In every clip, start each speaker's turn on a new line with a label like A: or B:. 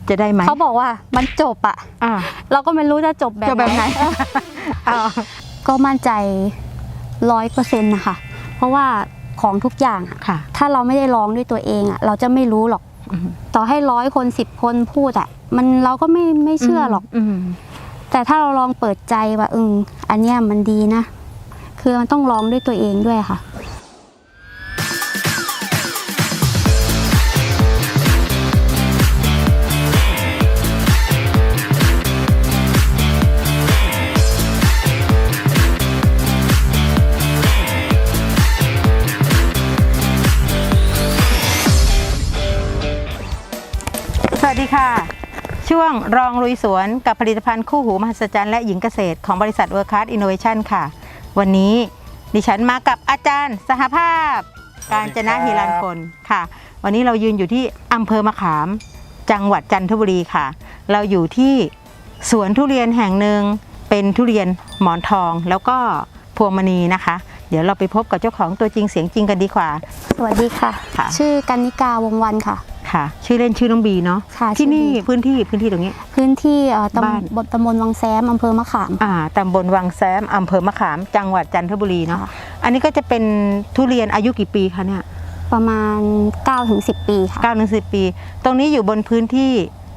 A: จะได้ไหม
B: เขาบอกว่ามันจบอ่ะเราก็ไม่รู้จะจบแบบไหน ก็มั่นใจ100%นะคะเพราะว่าของทุกอย่างถ้าเราไม่ได้ลองด้วยตัวเองอ่ะเราจะไม่รู้หรอกต่อให้100 คน10 คนพูดอ่ะเราก็ไม่เชื่อหรอกแต่ถ้าเราลองเปิดใจว่าอันเนี้ยมันดีนะคือมันต้องลองด้วยตัวเองด้วยค่ะ
A: สวัสดีค่ะช่วงรองลุยสวนกับผลิตภัณฑ์คู่หูมหัศจรรย์และหญิงเกษตรของบริษัท World Class Innovation ค่ะวันนี้ดิฉันมากับอาจารย์สหภาพกาญจนะฮิรัญพลค่ะวันนี้เรายืนอยู่ที่อำเภอมะขามจังหวัดจันทบุรีค่ะเราอยู่ที่สวนทุเรียนแห่งหนึ่งเป็นทุเรียนหมอนทองแล้วก็พวงมณีนะคะเดี๋ยวเราไปพบกับเจ้าของตัวจริงเสียงจริงกันดีกว่า
B: สวัสดีค่ะชื่อกันนิกาวงวันค่ะ
A: ค่ะชื่อเล่นชื่อน้องบีเนาะที่นี่พื้นที่ตรงนี้
B: พื้นที่ตำบลวังแซมอำเภอมะขาม
A: ตำบลวังแซมอำเภอมะขามจังหวัดจันทบุรีเนาะอันนี้ก็จะเป็นทุเรียนอายุกี่ปีคะเนี่ย
B: ประมาณ 9-10 ปีค่ะ
A: 9-10 ปีตรงนี้อยู่บนพื้นที่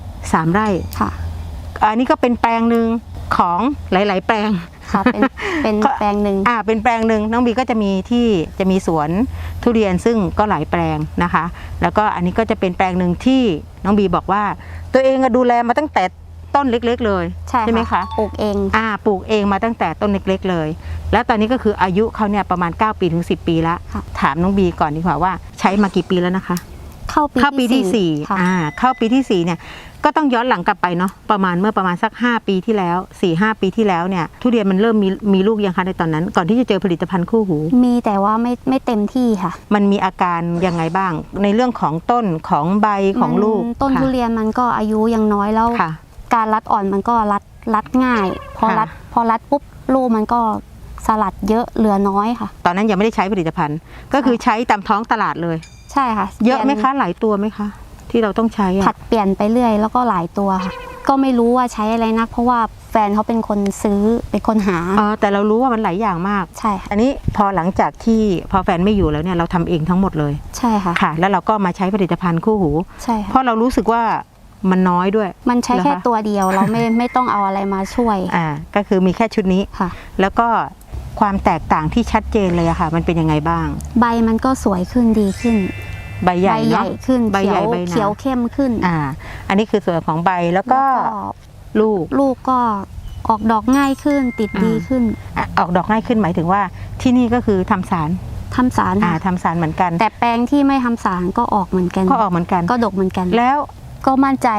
A: 3 ไร่
B: ค่ะ
A: อันนี้ก็เป็นแปลงหนึ่งของหลายๆแปลง
B: ค่ะเป็นแปลงหนึ่ง
A: เป็นแปลงหนึ่งน้องบีก็จะมีสวนทุเรียนซึ่งก็หลายแปลงนะคะแล้วก็อันนี้ก็จะเป็นแปลงหนึ่งที่น้องบีบอกว่าตัวเองดูแลมาตั้งแต่ต้นเล็กๆเลยใช่ไหมคะ
B: ปลูกเอง
A: ปลูกเองมาตั้งแต่ต้นเล็กๆเลยแล้วตอนนี้ก็คืออายุเขาเนี่ยประมาณ9 ปีถึง10 ปีแล้วถามน้องบีก่อนดีกว่าว่าใช้มากี่ปีแล้วนะคะ
B: เข้าปีที่
A: 4เข้าปีที่4เนี่ยก็ต้องย้อนหลังกลับไปเนาะเมื่อประมาณสัก5 ปีที่แล้ว 4-5 ปีที่แล้วเนี่ยทุเรียนมันเริ่มมีลูกยังคะในตอนนั้นก่อนที่จะเจอผลิตภัณฑ์คู่หู
B: มีแต่ว่าไม่เต็มที่ค่ะ
A: มันมีอาการยังไงบ้างในเรื่องของต้นของใบของลูก
B: ต้นทุเรียนมันก็อายุยังน้อยแล้วการรัดอ่อนมันก็รัดง่ายพอรัดปุ๊บลูกมันก็สลัดเยอะเหลือน้อยค่ะ
A: ตอนนั้นยังไม่ได้ใช้ผลิตภัณฑ์ก็คือใช้ตามท้องตลาดเลย
B: ใช่ค่ะ
A: เยอะไหมคะหลายตัวไหมคะที่เราต้องใช้
B: ผัดเปลี่ยนไปเรื่อยแล้วก็หลายตัวค่ะก็ไม่รู้ว่าใช้อะไรนักเพราะว่าแฟนเขาเป็นคนซื้อเป็นคนหา
A: แต่เรารู้ว่ามันหลายอย่างมาก
B: ใช่
A: อันนี้พอหลังจากที่พอแฟนไม่อยู่แล้วเนี่ยเราทำเองทั้งหมดเลย
B: ใช่ค่ะ
A: แล้วเราก็มาใช้ผลิตภัณฑ์คู่หู
B: ใช่
A: เพราะเรารู้สึกว่ามันน้อยด้วย
B: มันใช้แค่ตัวเดียวเราไม่ต้องเอาอะไรมาช่วย
A: ก็คือมีแค่ชุดนี้
B: ค่ะ
A: แล้วก็ความแตกต่างที่ชัดเจนเลยอะค่ะมันเป็นยังไงบ้าง
B: ใบมันก็สวยขึ้นดีขึ้น
A: ใบใหญ่
B: ขึ้นใบใหญ่เขียวเข้มขึ้น
A: อันนี้คือส่วนของใบแล้วก็ลูก
B: ก็ออกดอกง่ายขึ้นติดดีขึ้น
A: ออกดอกง่ายขึ้นหมายถึงว่าที่นี่ก็คือทำสาร
B: ทำสาร
A: เหมือนกัน
B: แต่แปลงที่ไม่ทำสารก็ออกเหมือนกันก็ดกเหมือนกัน
A: แล้ว
B: ก็มั่นใจ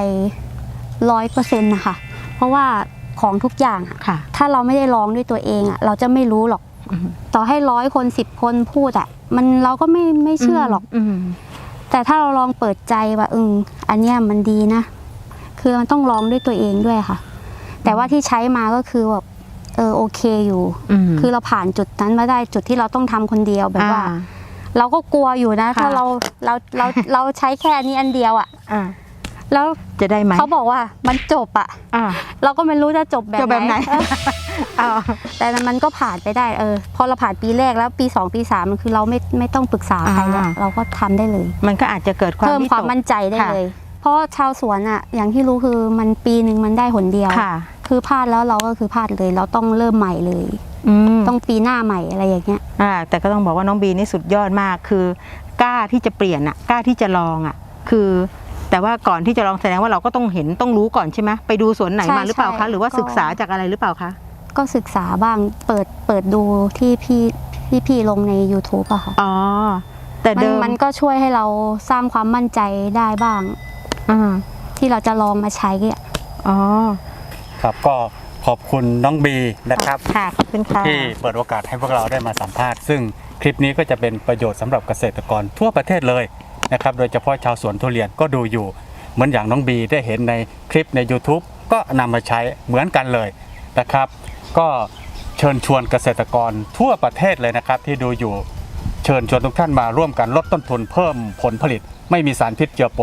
B: 100%นะคะเพราะว่าของทุกอย่างถ้าเราไม่ได้ลองด้วยตัวเองเราจะไม่รู้หรอกต่อให้100 คน10 คนพูดเราก็ไม่เชื่อหรอกแต่ถ้าเราลองเปิดใจว่าอันเนี้ยมันดีนะคือมันต้องลองด้วยตัวเองด้วยค่ะแต่ว่าที่ใช้มาก็คือแบบโอเคอยู่คือเราผ่านจุดนั้นมาได้จุดที่เราต้องทำคนเดียวแบบว่าเราก็กลัวอยู่นะถ้าเราใช้แค่นี้อันเดียวแล้ว
A: จะได้ไหม
B: เขาบอกว่ามันจบเราก็ไม่รู้จะจบแบบไหนแต่มันก็ผ่านไปได้พอเราผ่านปีแรกแล้วปี2 ปี 3มันคือเราไม่ต้องปรึกษาใครแล้วเราก็ทำได้เลย
A: มันก็อาจจะเกิดเพิ่
B: มความมั่นใจได้เลยเพราะชาวสวนอย่างที่รู้คือมันปีหนึ่งมันได้หนเดียวคือพลาดแล้วเราก็คือพลาดเลยเราต้องเริ่มใหม่เลยต้องปีหน้าใหม่อะไรอย่างเงี้ย
A: แต่ก็ต้องบอกว่าน้องบีนี่สุดยอดมากคือกล้าที่จะเปลี่ยนกล้าที่จะลองคือแต่ว่าก่อนที่จะลองแสดงว่าเราก็ต้องรู้ก่อนใช่ไหมไปดูสวนไหนมาหรือเปล่าคะหรือว่าศึกษาจากอะไรหรือเปล่าคะ
B: ก็ศึกษาบ้างเปิดดูที่พี่ลงใน YouTube อะค่ะ
A: แต่เดิม
B: มันก็ช่วยให้เราสร้างความมั่นใจได้บ้างที่เราจะลองมาใช้
C: ครับก็ขอบคุณน้องบีนะครับ
A: ขอบคุณค่ะ
C: ที่เปิดโอกาสให้พวกเราได้มาสัมภาษณ์ซึ่งคลิปนี้ก็จะเป็นประโยชน์สำหรับเกษตรกรทั่วประเทศเลยนะครับโดยเฉพาะชาวสวนทุเรียนก็ดูอยู่เหมือนอย่างน้องบีได้เห็นในคลิปใน YouTube ก็นำมาใช้เหมือนกันเลยนะครับก็เชิญชวนเกษตรกรทั่วประเทศเลยนะครับที่ดูอยู่เชิญชวนทุกท่านมาร่วมกันลดต้นทุนเพิ่มผลผลิตไม่มีสารพิษเจือปน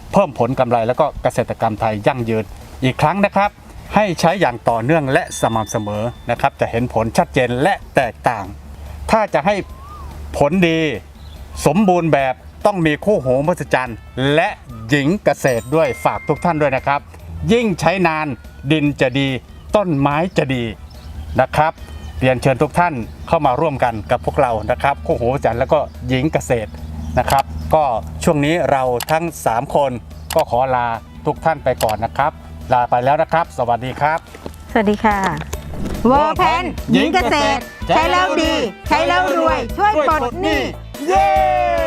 C: เพิ่มผลกำไรแล้วก็เกษตรกรรมไทยยั่งยืนอีกครั้งนะครับให้ใช้อย่างต่อเนื่องและสม่ำเสมอนะครับจะเห็นผลชัดเจนและแตกต่าง ถ้าจะให้ผลดีสมบูรณ์แบบต้องมีคู่หูมหัศจรรย์และหญิงเกษตรด้วยฝากทุกท่านด้วยนะครับยิ่งใช้นานดินจะดีต้นไม้จะดีนะครับเรียนเชิญทุกท่านเข้ามาร่วมกันกับพวกเรานะครับคู่หูมหัศจรรย์แล้วก็หญิงเกษตรนะครับก็ช่วงนี้เราทั้ง3คนก็ขอลาทุกท่านไปก่อนนะครับลาไปแล้วนะครับสวัสดีครับ
A: สวัสดีค่ะเวอร์แพนหญิงเกษตร ใช้แล้วดี ใช้แล้วรวย ช่วยปลดหนี้
C: เย้